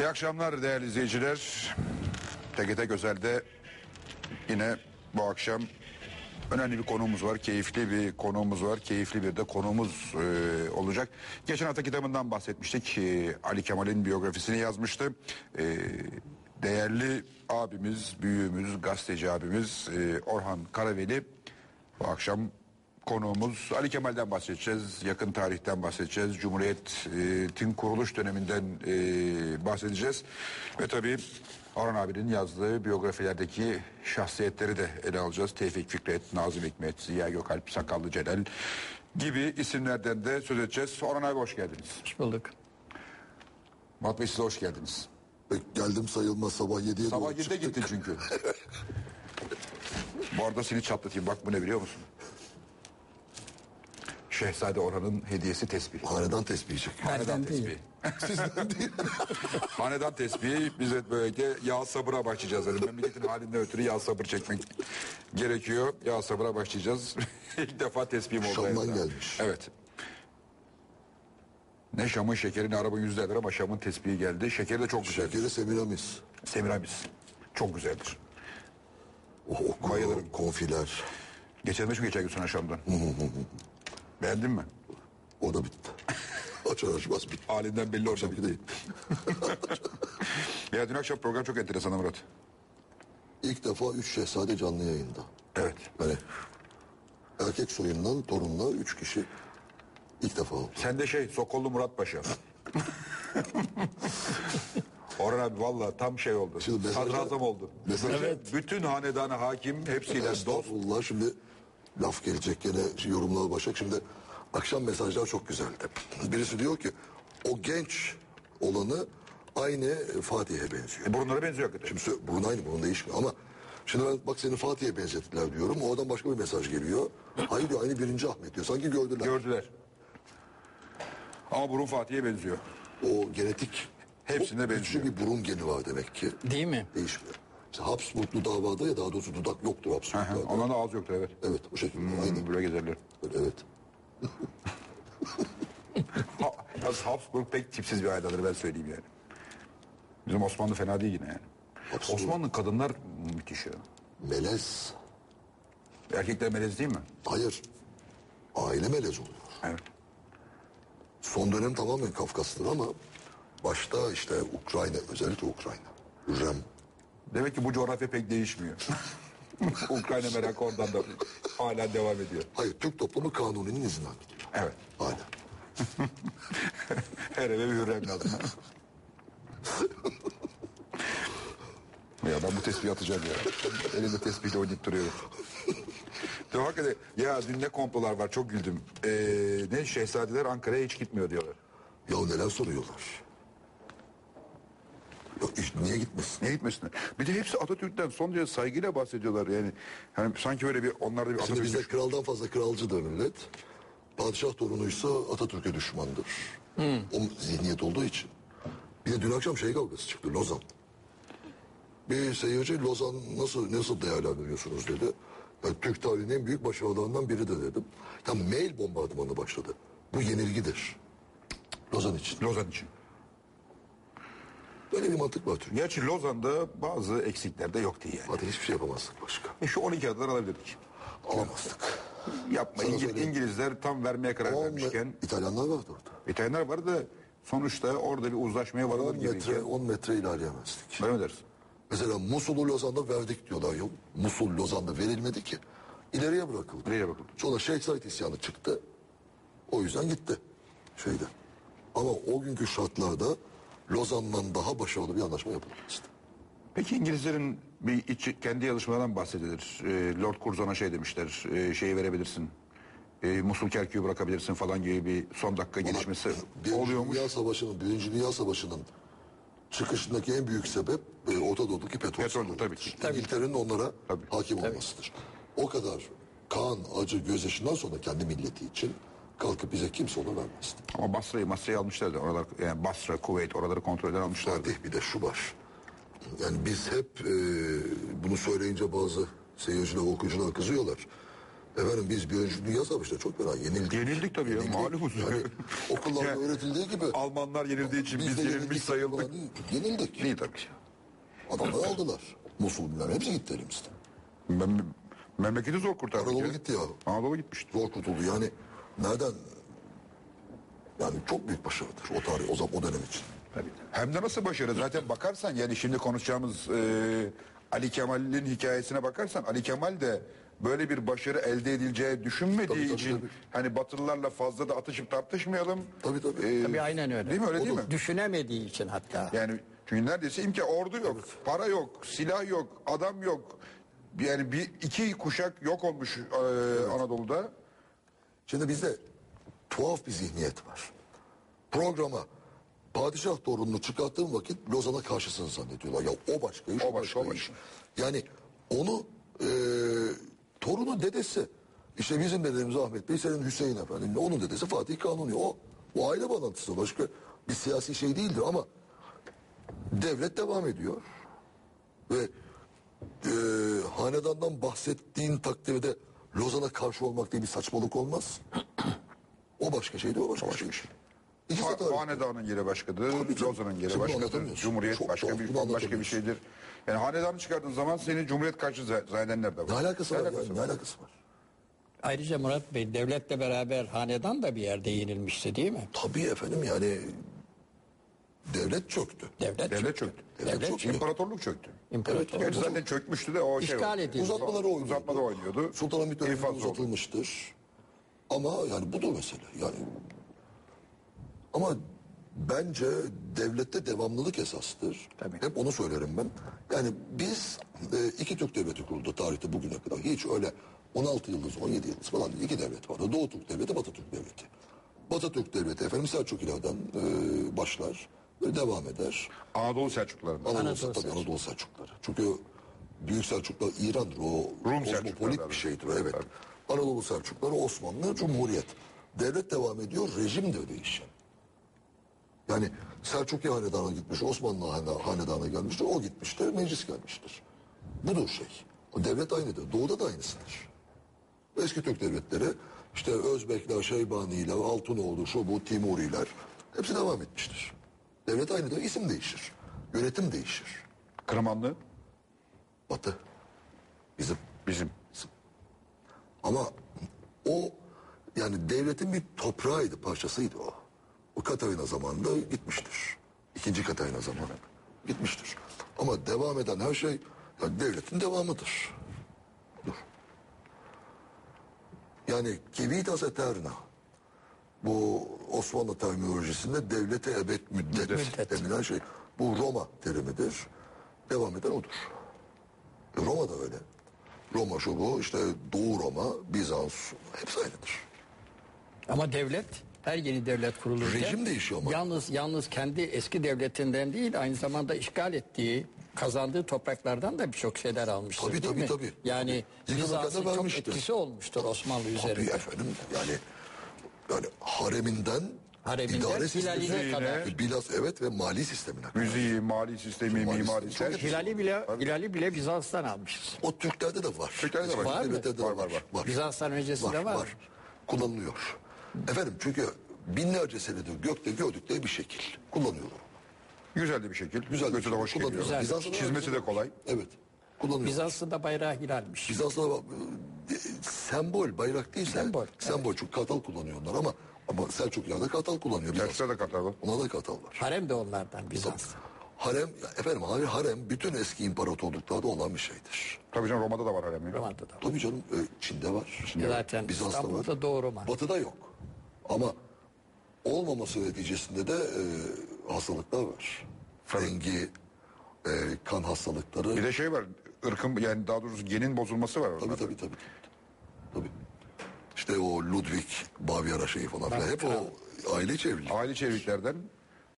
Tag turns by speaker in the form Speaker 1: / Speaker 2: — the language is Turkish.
Speaker 1: İyi akşamlar değerli izleyiciler. TGT Gözel'de yine bu akşam önemli bir konuğumuz var. Keyifli bir konuğumuz var. Keyifli bir de konuğumuz olacak. Geçen hafta kitabından bahsetmiştik. Ali Kemal'in biyografisini yazmıştı. Değerli abimiz, büyüğümüz, gazeteci abimiz Orhan Karaveli bu akşam konuğumuz. Ali Kemal'den bahsedeceğiz, yakın tarihten bahsedeceğiz, Cumhuriyet'in kuruluş döneminden bahsedeceğiz. Ve tabii Orhan abinin yazdığı biyografilerdeki şahsiyetleri de ele alacağız. Tevfik Fikret, Nazım Hikmet, Ziya Gökalp, Sakallı Celal gibi isimlerden de söz edeceğiz. Orhan abi hoş geldiniz.
Speaker 2: Hoş bulduk.
Speaker 1: Murat Bey size hoş geldiniz.
Speaker 3: Geldim sayılmaz, sabah 7'ye
Speaker 1: Sabah
Speaker 3: doğru
Speaker 1: 7'de gittin çünkü. Bu arada seni çatlatayım, bak bu ne biliyor musun? Şehzade Orhan'ın hediyesi tesbih.
Speaker 3: Hanedan tesbihi çekiyor.
Speaker 1: Hanedan
Speaker 2: Benden değil.
Speaker 1: tesbihi.
Speaker 3: Sizden değil.
Speaker 1: Hanedan tesbihi bize böylece yağ sabıra başlayacağız. Yani memleketin halinden ötürü yağ sabır çekmek gerekiyor. Yağ sabıra başlayacağız. İlk defa tesbihim oldu.
Speaker 3: Şam'dan
Speaker 1: hayatımda.
Speaker 3: gelmiş.
Speaker 1: Evet. Ne Şam'ın şekeri ne araba yüzlerdir ama Şam'ın tesbihi geldi. Şekeri de çok güzeldir.
Speaker 3: Şekeri Semiramis.
Speaker 1: Semiramis. Çok güzeldir.
Speaker 3: O
Speaker 1: Bayılırım.
Speaker 3: konfiler.
Speaker 1: Geçen gün sonra Şam'dan. Beğendin mi?
Speaker 3: O da bitti. Açar açmaz bitti.
Speaker 1: Halinden belli orada
Speaker 3: Akşamki
Speaker 1: bitti.
Speaker 3: değil.
Speaker 1: Ya dün akşam program çok enteresan Murat.
Speaker 3: İlk defa 3 şehzade canlı yayında.
Speaker 1: Evet.
Speaker 3: Yani erkek soyundan torunla 3 kişi ilk defa oldu.
Speaker 1: Sen de Sokollu Murat Paşa. Orhan abi valla tam şey oldu.
Speaker 3: Şimdi mesajlar-
Speaker 1: Sadrazam oldu.
Speaker 3: mesajlar-
Speaker 1: Bütün hanedana hakim hepsiyle dost.
Speaker 3: Estağfurullah, şimdi laf gelecek gene, yorumlar başlayacak. Şimdi akşam mesajlar çok güzeldi. Birisi diyor ki o genç olanı aynı Fatih'e benziyor.
Speaker 1: Burunlara benziyor hakikaten.
Speaker 3: Şimdi burun aynı, burun değişmiyor ama şimdi ben bak seni Fatih'e benzettiler diyorum. Oradan başka bir mesaj geliyor. Hayır diyor, aynı 1. Ahmet diyor. Sanki gördüler.
Speaker 1: Gördüler. Ama burun Fatih'e benziyor.
Speaker 3: O genetik
Speaker 1: Hepsine
Speaker 3: çok güçlü
Speaker 1: benziyor.
Speaker 3: bir burun geni var demek ki.
Speaker 2: Değil mi?
Speaker 3: Değişmiyor. Mesela Habsburglu davada, ya daha doğrusu dudak yoktur Habsburglularda.
Speaker 1: Ondan da ağız yoktur evet.
Speaker 3: Evet, o şekilde. Aynı.
Speaker 1: Böyle gezerler.
Speaker 3: Evet.
Speaker 1: Habsburg pek tipsiz bir ailedir ben söyleyeyim yani. Bizim Osmanlı fena değil yine yani.
Speaker 3: Habsburg.
Speaker 1: Osmanlı kadınlar müthiş ya.
Speaker 3: Melez.
Speaker 1: Erkekler melez değil mi?
Speaker 3: Hayır. Aile melez oluyor.
Speaker 1: Evet.
Speaker 3: Son dönem tamamen Kafkas'tır ama başta işte Ukrayna, özellikle Ukrayna. Hürrem.
Speaker 1: Demek ki bu coğrafya pek değişmiyor. Ukrayna merakı oradan da hala devam ediyor.
Speaker 3: Hayır, Türk toplumu kanuninin izinden gidiyor.
Speaker 1: Evet.
Speaker 3: Hala.
Speaker 1: Her eve bir hürrem lazım. Ya ben bu tespihi atacağım ya. Elimde tespihle oynayıp duruyorum. De hakikaten ya dün ne komplolar var çok güldüm. Ne şehzadeler Ankara'ya hiç gitmiyor diyorlar.
Speaker 3: Ya neler soruyorlar. Ya niye gitmesin?
Speaker 1: Niye gitmesinler? Bir de hepsi Atatürk'ten son derece saygıyla bahsediyorlar yani. Hani sanki öyle bir onlarda bir
Speaker 3: Şimdi
Speaker 1: Atatürk
Speaker 3: bizde kraldan fazla kralcıdır millet. Padişah torunuysa Atatürk'e düşmandır. O zihniyet olduğu için. Bir de dün akşam kavgası çıktı, Lozan. Bir seyirci Lozan nasıl değerlendiriyorsunuz dedi. Ya, Türk tarihinin en büyük başarılarından biri de dedim. Ya mail bombardımanı başladı. Bu yenilgidir. Lozan için.
Speaker 1: Lozan için.
Speaker 3: Böyle bir mantık var Türkiye.
Speaker 1: Gerçi Lozan'da bazı eksikler de yoktu yani.
Speaker 3: Zaten hiçbir şey yapamazdık başka.
Speaker 1: Şu 12 adalar alabilirdik.
Speaker 3: Alamazdık.
Speaker 1: Yapma.
Speaker 3: Sana söyleyeyim.
Speaker 1: İngilizler tam vermeye karar vermişken.
Speaker 3: İtalyanlar vardı orada.
Speaker 1: İtalyanlar vardı da sonuçta orada bir uzlaşmaya
Speaker 3: 10
Speaker 1: varılır
Speaker 3: metre,
Speaker 1: gibi.
Speaker 3: 10 metre ilerleyemezdik.
Speaker 1: Öyle mi dersin?
Speaker 3: Mesela Musul'u Lozan'da verdik diyorlar. Yok, Musul Lozan'da verilmedi ki. İleriye bırakıldı.
Speaker 1: Nereye bakıldı?
Speaker 3: Sonra Şeyh Said isyanı çıktı. O yüzden gitti. Şeyde. Ama o günkü şartlarda Lozan'dan daha başarılı bir anlaşma yapılmıştı.
Speaker 1: Peki İngilizlerin kendi yazışmalarından bahsedilir. Lord Curzon'a demişler. Şeyi verebilirsin. Musul Kerkük'ü bırakabilirsin falan gibi bir son dakika gelişmesi oluyormuş.
Speaker 3: Birinci Dünya Savaşı'nın çıkışındaki en büyük sebep Orta Doğu'daki petrol.
Speaker 1: Petroldür tabii ki.
Speaker 3: İngiltere'nin onlara
Speaker 1: Tabii.
Speaker 3: hakim olmasıdır. O kadar kan, acı, gözyaşından sonra kendi milleti için kalkıp bize kimse onu vermezdi.
Speaker 1: Ama Basra'yı almışlardı. Oralar, yani Basra, Kuveyt oraları kontrol eden almışlardı.
Speaker 3: Fatih, bir de şu var. Yani biz hep bunu söyleyince bazı seyirciler, okuyucular kızıyorlar. Efendim biz Birinci Dünya Savaşı'nda çok fena yenildik.
Speaker 1: Yenildik tabii ya, malumuz.
Speaker 3: Yani okullarda
Speaker 1: Yani
Speaker 3: öğretildiği gibi.
Speaker 1: Almanlar yenildiği için biz
Speaker 3: de
Speaker 1: yenilmiş sayıldık.
Speaker 3: falan değil, yenildik.
Speaker 1: İyi tabii.
Speaker 3: Adamları aldılar. Musul bilmem hepsi gitti elimizden.
Speaker 1: Memleketi zor kurtardık.
Speaker 3: Anadolu
Speaker 1: ya.
Speaker 3: gitti ya.
Speaker 1: Anadolu gitmişti.
Speaker 3: Zor kurtuldu yani. Nereden? Yani çok büyük başarıdır o tarih, o dönem için.
Speaker 1: Hem de nasıl başarı? Zaten bakarsan yani şimdi konuşacağımız Ali Kemal'in hikayesine bakarsan Ali Kemal de böyle bir başarı elde edileceği düşünmediği
Speaker 3: Tabii, tabii,
Speaker 1: için
Speaker 3: tabii.
Speaker 1: hani Batılılarla fazla da atışıp tartışmayalım.
Speaker 3: Tabii tabii.
Speaker 2: Tabii aynen öyle.
Speaker 1: Değil mi öyle değil mi?
Speaker 2: Düşünemediği için hatta.
Speaker 1: Yani çünkü neredeyse ordu yok, para yok, silah yok, adam yok. Yani iki kuşak yok olmuş Anadolu'da.
Speaker 3: Şimdi bizde tuhaf bir zihniyet var. Programa padişah torununu çıkarttığın vakit Lozan'a karşısını zannediyorlar. Ya o başka iş,
Speaker 1: O başka, o
Speaker 3: iş. Yani onu torunu dedesi, işte bizim dedemiz Ahmet Bey, senin Hüseyin Efendi, onun dedesi Fatih Kanuni. O aile bağlantısı, başka bir siyasi şey değildir ama devlet devam ediyor. Ve hanedandan bahsettiğin takdirde Lozan'a karşı olmak diye bir saçmalık olmaz. O başka şeydi, o başka şey. İkisi de tarih.
Speaker 1: Hanedanın yeri başkadır,
Speaker 3: Tabii canım.
Speaker 1: Lozan'ın yeri
Speaker 3: Şimdi
Speaker 1: başkadır,
Speaker 3: anlatamıyorsun.
Speaker 1: Cumhuriyet
Speaker 3: Çok
Speaker 1: başka
Speaker 3: tuhaf,
Speaker 1: bir
Speaker 3: bunu
Speaker 1: başka bir
Speaker 3: anlatamıyorsun.
Speaker 1: şeydir. Yani hanedanı çıkardığın zaman seni Cumhuriyet karşı zannedenler de var.
Speaker 3: Ne alakası var?
Speaker 1: alakası
Speaker 3: Yani, ne alakası var?
Speaker 2: Ayrıca Murat Bey devletle beraber hanedan da bir yerde yenilmişti değil mi?
Speaker 3: Tabii efendim yani devlet çöktü.
Speaker 1: Devlet çöktü.
Speaker 3: Devlet çöktü.
Speaker 1: İmparatorluk çöktü.
Speaker 2: İmparator.
Speaker 1: Gerçi zaten çökmüştü de o
Speaker 2: İşgal edildi.
Speaker 3: Uzatmaları oynuyordu.
Speaker 1: Uzatmada oynuyordu.
Speaker 3: Sultanahmet döneminde
Speaker 1: İnfaz oldu.
Speaker 3: uzatılmıştır. Ama yani budur mesele. Yani ama bence devlette devamlılık esastır.
Speaker 2: Tabii.
Speaker 3: Hep onu söylerim ben. Yani biz iki Türk devleti kuruldu tarihte bugüne kadar. Hiç öyle 16 yıldız, 17 yıldız falan değil. İki devlet vardı. Doğu Türk Devleti, Batı Türk Devleti. Batı Türk Devleti efendim Selçuklulardan başlar ve devam eder.
Speaker 1: Anadolu Selçuklularından.
Speaker 3: Anadolu Selçukluları. Çünkü Büyük Selçuklular İran'dır. O
Speaker 1: Rum
Speaker 3: kozmopolit
Speaker 1: Selçukluları.
Speaker 3: bir şeydir. Evet. Anadolu Selçukluları Osmanlı Cumhuriyet. Devlet devam ediyor, rejim de değişen. Yani Selçuklu Hanedanı gitmiş, Osmanlı Hanedanı gelmiştir, o gitmiştir, meclis gelmiştir. Budur şey. O devlet aynıdır. Doğuda da aynısıdır. Eski Türk devletleri, işte Özbekler, Şeybaniler, Altınoğlu, şu bu, Timuriler, hepsi devam etmiştir. Devlet aynıdır, isim değişir. Yönetim değişir.
Speaker 1: Kırmanlı
Speaker 3: Batı.
Speaker 1: bizim.
Speaker 3: Ama o yani devletin bir toprağıydı, parçasıydı o. O Katarina zamanında gitmiştir. İkinci Katarina zamanı gitmiştir. Ama devam eden her şey yani devletin devamıdır. Dur. Yani civitas aeterna. Bu Osmanlı terminolojisinde devlete ebed müddet denilen şey. Bu Roma terimidir. Devam eden odur. Roma da öyle. Roma şu bu işte Doğu Roma, Bizans hepsi aynıdır.
Speaker 2: Ama devlet her yeni devlet kurulurken
Speaker 3: Rejim değişiyor ama.
Speaker 2: Yalnız kendi eski devletinden değil aynı zamanda işgal ettiği, kazandığı topraklardan da birçok şeyler almıştır
Speaker 3: Tabii,
Speaker 2: değil
Speaker 3: tabii,
Speaker 2: mi?
Speaker 3: tabii.
Speaker 2: Yani
Speaker 3: Tabii.
Speaker 2: Bizans'ın
Speaker 3: Yıkılırken de
Speaker 2: çok
Speaker 3: vermiştir.
Speaker 2: etkisi olmuştur Osmanlı
Speaker 3: Tabii
Speaker 2: üzerinde.
Speaker 3: efendim yani hareminden idare sistemine,
Speaker 2: hilaline kadar.
Speaker 3: Bilas evet ve mali sistemine kadar.
Speaker 1: Müziği, mali sistemi,
Speaker 3: Mali
Speaker 1: mimari
Speaker 3: sistemi çok
Speaker 2: Hilali bile Bizans'tan almışız.
Speaker 3: O Türklerde de var.
Speaker 1: Türklerde de var.
Speaker 2: Var mı?
Speaker 3: Devletlerde de
Speaker 1: Var.
Speaker 2: Bizans'tan öncesinde var mı?
Speaker 3: Kullanılıyor. Efendim çünkü binlerce senedir gökte gördükleri bir şekil. Kullanıyorlar.
Speaker 1: Güzel de bir şekil.
Speaker 3: Güzel bir
Speaker 1: Götü de
Speaker 3: şekil.
Speaker 1: hoş geliyor.
Speaker 3: Kullanıyorlar. Bizans'ta da
Speaker 1: Çizmesi de kolay.
Speaker 3: Evet. Kullanıyorlar.
Speaker 2: Bizans'ın da bayrağı hilalmiş.
Speaker 3: Bizans'ta da sembol, bayrak değil de
Speaker 2: Sembol,
Speaker 3: sembol. Çünkü kartal kullanıyor onlar ama Selçuklular kartal kullanıyor. Bizans.
Speaker 1: Selçuklu'da da Kartal var.
Speaker 3: Ona da kartal var.
Speaker 2: Harem de onlardan Bizans'ta.
Speaker 3: Harem, efendim harem bütün eski imparatorluklarda olan bir şeydir.
Speaker 1: Tabii canım Roma'da da var harem. ya.
Speaker 2: Roma'da da var.
Speaker 3: Tabii canım Çin'de var.
Speaker 2: Zaten
Speaker 3: Bizans'ta
Speaker 2: İstanbul'da
Speaker 3: var.
Speaker 2: Doğu Roma.
Speaker 3: Batı'da yok. Ama olmaması neticesinde de hastalıklar var. Rengi, kan hastalıkları.
Speaker 1: Bir de şey var. Irkın yani daha doğrusu genin bozulması var orada.
Speaker 3: Tabii. İşte o Ludwig Bavyera şeyi falan filan. Hep o aile içi evlilik.
Speaker 1: Aile çeviklerden